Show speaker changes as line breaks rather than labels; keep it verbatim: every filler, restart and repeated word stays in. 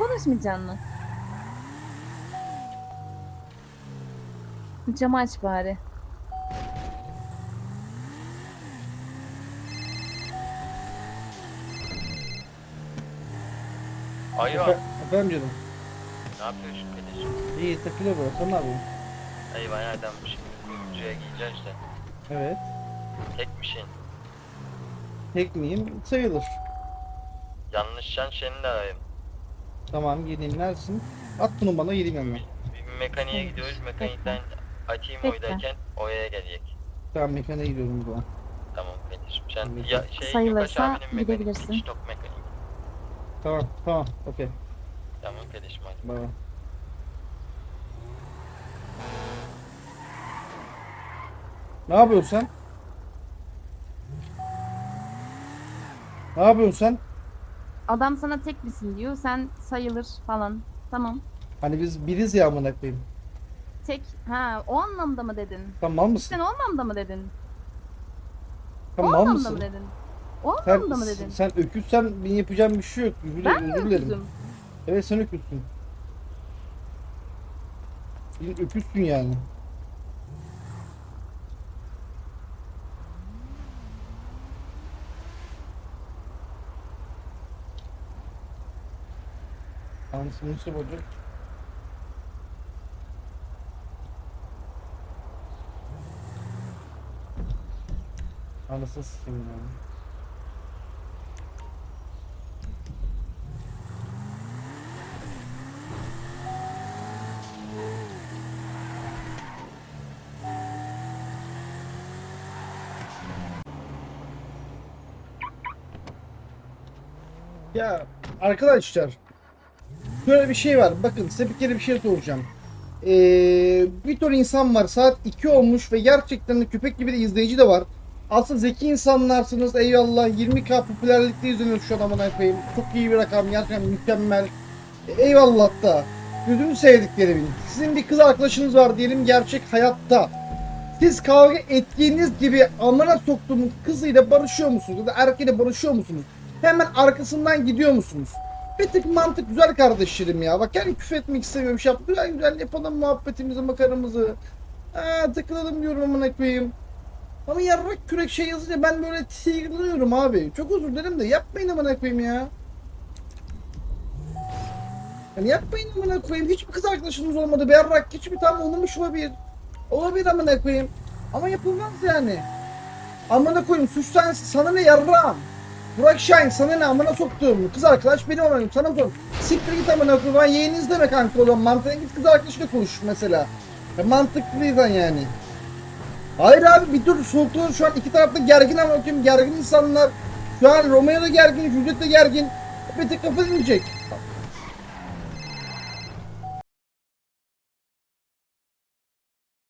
konuşmayacaksın mı? Camı aç bari.
Alo.
Efe, efendim canım.
Ne yapıyorsun kardeşim?
İyi takılıyor bu. Sen ne yapıyorsun?
Eyvah nereden şimdi kuyumcuya gideceğiz de.
Evet.
Tek misin?
Tek miyim? Sayılır.
Yanlışsan seni de arayayım.
Tamam geleyim. Neredesin? At bunu bana geleyim yanına.
Bir mekaniğe gidiyoruz. Mekanikten açayım
Bekle.
oydayken oraya gelecek.
Tamam mekaniğe gidiyorum bu an.
Tamam kardeşim. Sen
Evet.
ya şey
Sayılırsa
Yukaş abinin mekaniği,
gidebilirsin.
pit stop mekaniği.
Tamam tamam okey.
Tamam kardeşim hadi.
Bay bay. Ne yapıyorsun sen? Ne yapıyorsun sen?
Adam sana tek misin diyor. Sen sayılır falan. Tamam.
Hani biz biriz ya amına koyayım.
Tek. Ha, o anlamda mı dedin?
Tamam mısın?
Sen o anlamda mı dedin? O
Tamam
anlamda
mısın?
mı dedin? O
Sen,
anlamda mı dedin?
sen öküzsen benim yapacağım bir şey yok. Özür,
Ben mi
özür dilerim.
öküzüm?
Evet sen öküzsün. Bir öküzsün yani. Anasını nasıl olacak? Anasını sikeyim yani. Ya arkadaşlar şöyle bir şey var. Bakın size bir kere bir şey soracağım. Ee, bir ton insan var. Saat iki olmuş ve gerçekten de köpek gibi de izleyici de var. Aslında zeki insanlarsınız. Eyvallah. yirmi bin popülerlikte izleniyor şu an amına koyayım. Çok iyi bir rakam. Gerçekten mükemmel. E, eyvallah da. Gözünü sevdiklerimin. Sizin bir kız arkadaşınız var diyelim gerçek hayatta. Siz kavga ettiğiniz gibi amına soktuğum kızıyla barışıyor musunuz? Ya da erkeğiyle barışıyor musunuz? Hemen arkasından gidiyor musunuz? Bir tık mantık güzel kardeşlerim ya. Bak yani küfür etmek istemiyorum. Şey yap. Güzel güzel yapalım muhabbetimizi, makaramızı. Aa, takılalım diyorum amına koyayım. Ama yarrak kürek şey yazınca ben böyle tigriyorum abi. Çok özür dilerim de yapmayın amına koyayım ya. Yani yapmayın amına koyayım. Hiçbir kız arkadaşınız olmadı. Bir yarrak hiçbir tane olmamış olabilir. Olabilir amına koyayım. Ama yapılmaz yani. Amına koyayım suç sensin. Sana ne yarrağım? Burak Şahin sana ne amına soktuğum kız arkadaş benim amına sana sor. Siktir git amına koyayım. Ben yeğeniz deme kanka o zaman. Mantığına git kız arkadaşıyla konuş mesela. Ya mantıklıysan yani. Hayır abi bir dur sultan şu an iki tarafta gergin ama bakayım gergin insanlar. Şu an Romeo da gergin, Juliet de gergin. Bir tek kafa dinleyecek.